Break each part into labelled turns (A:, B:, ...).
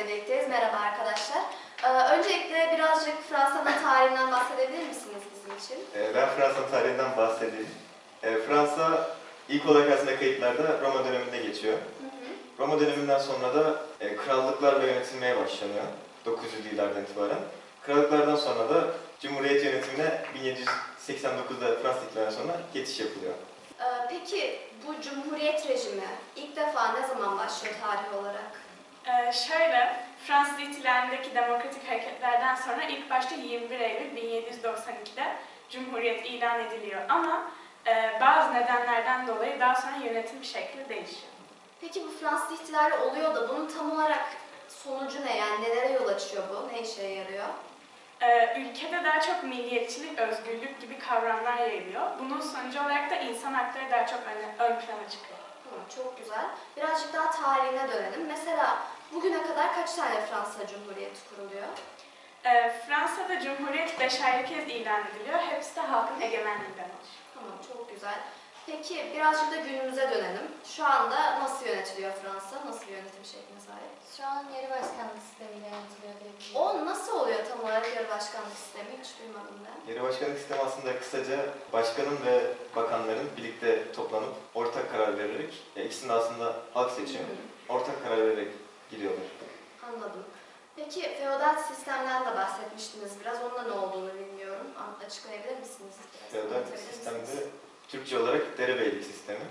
A: ile birlikteyiz. Merhaba arkadaşlar. Öncelikle birazcık Fransa'nın tarihinden bahsedebilir misiniz bizim için?
B: Ben Fransa tarihinden bahsedeyim. Fransa ilk olarak aslında kayıtlarda Roma döneminde geçiyor. Roma döneminden sonra da krallıklarla yönetilmeye başlanıyor 900'lü yıllardan itibaren. Krallıklardan sonra da Cumhuriyet yönetimine 1789'da Fransa ihtilalinden sonra geçiş yapılıyor.
A: Peki bu Cumhuriyet rejimi ilk defa ne zaman başlıyor tarih olarak?
C: Fransız ihtilalindeki demokratik hareketlerden sonra ilk başta 21 Eylül 1792'de Cumhuriyet ilan ediliyor ama bazı nedenlerden dolayı daha sonra yönetim şekli değişiyor.
A: Peki bu Fransız ihtilali oluyor da bunun tam olarak sonucu ne, yani nelere yol açıyor bu, ne işe yarıyor?
C: Ülkede daha çok milliyetçilik, özgürlük gibi kavramlar yayılıyor. Bunun sonucu olarak da insan hakları daha çok ön plana çıkıyor.
A: Çok güzel. Birazcık daha tarihine dönelim. Mesela bugüne kadar kaç tane Fransa Cumhuriyeti kuruluyor?
C: Fransa'da Cumhuriyet 5 ayrı kez ilan ediliyor. Hepsi de halkın egemenliğinden oluşuyor.
A: Tamam, çok güzel. Peki birazcık da günümüze dönelim. Şu anda nasıl yönetiliyor Fransa? Nasıl bir yönetim şekline sahip?
D: Şu an yarı başkanlık sistemiyle yönetiliyor diyebilirim.
A: O nasıl oluyor tam olarak yarı başkanlık sistemi? Hiç duymadım ben.
B: Yarı başkanlık sistemi aslında kısaca başkanın ve bakanların birlikte toplanıp ortak karar vererek, ikisini de aslında halk seçiyor, ortak karar vererek gidiyorlar.
A: Anladım. Peki feodal sistemden de bahsetmiştiniz biraz. Onun da ne olduğunu bilmiyorum. Açıklayabilir misiniz?
B: Feodal sistemde Türkçe olarak derebeylik sistemi.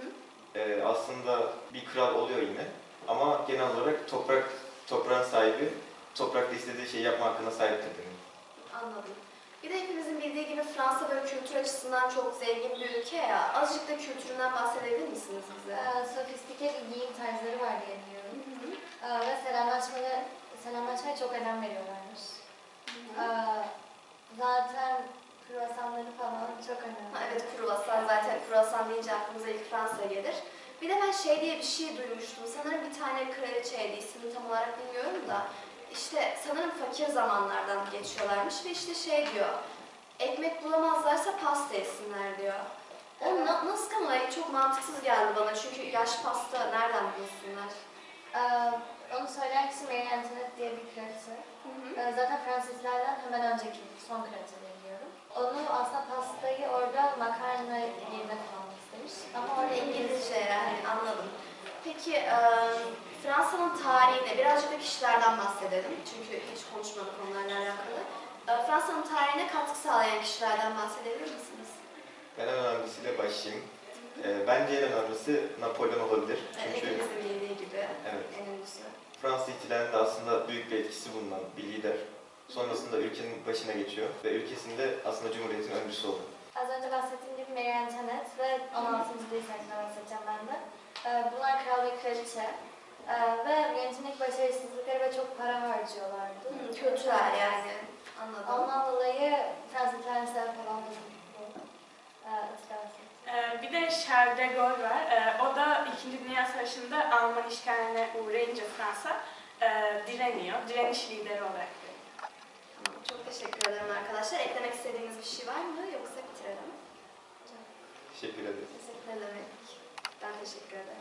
B: Aslında bir kral oluyor yine ama genel olarak toprağın sahibi, toprakta istediği şeyi yapma hakkına sahiptir demek.
A: Anladım. Bir de hepimizin bildiği gibi Fransa böyle kültür açısından çok zengin bir ülke ya. Azıcık da kültüründen bahsedebilir misiniz bize?
D: Sofistike bir giyim tarzları var diye biliyorum. Ve selamlaşmaya çok önem veriyorlarmış. Zaten kruvasanları falan çok önemli.
A: Evet, kruvasan, zaten kruvasan deyince aklımıza ilk Fransa gelir. Bir de ben şey diye bir şey duymuştum. Sanırım bir tane kraliçeydi, ismini tam olarak bilmiyorum da. İşte sanırım fakir zamanlardan geçiyorlarmış ve işte şey diyor. Ekmek bulamazlarsa pasta yesinler diyor. O nasıl kanılayı çok mantıksız geldi bana çünkü yaş pasta nereden bulsunlar?
D: Onu söyleyen kişi Marie Antoinette diye bir kraliçe. Zaten Fransız ihtilalinden hemen önceki son kraliçe biliyorum. Onu aslında pastayı orada makarna yerine kullanmak istemiş. Ama orada
A: İngilizce yani, anladım. Peki Fransa'nın tarihine birazcık da kişilerden bahsedelim. Çünkü hiç konuşmadık onlarla alakalı. Fransa'nın tarihine katkı sağlayan kişilerden bahsedebilir misiniz?
B: Ben en önemlisiyle başlayayım. Bence en önemlisi Napolyon olabilir. Çünkü
A: Hepimizin bildiği gibi
B: evet,
A: en önemlisi.
B: Fransız ihtilalinde aslında büyük bir etkisi bulunan bir lider. Sonrasında ülkenin başına geçiyor ve ülkesinde aslında Cumhuriyet'in öncüsü oluyor.
D: Az önce bahsettiğim gibi Marie Antoinette ve 16. Louis hakkında bahsedeceğim ben de. Bunlar kral ve kraliçe. Ve yönetimdeki başarısızlıkları ve çok para harcıyorlardı.
A: Kültürel yani, anladım.
D: Ondan dolayı Fransız ihtilaline sebep olan bu itirafı.
C: Bir de Charles de Gaulle var. O da 2. Dünya Savaşı'nda Alman işgaline uğrayınca Fransa direniyor. Direniş lideri olarak görüyor.
A: Tamam, çok teşekkür ederim arkadaşlar. Eklemek istediğiniz bir şey var mı yoksa bitirelim?
B: Teşekkür ederim.
A: Ne demek? Ben teşekkür ederim.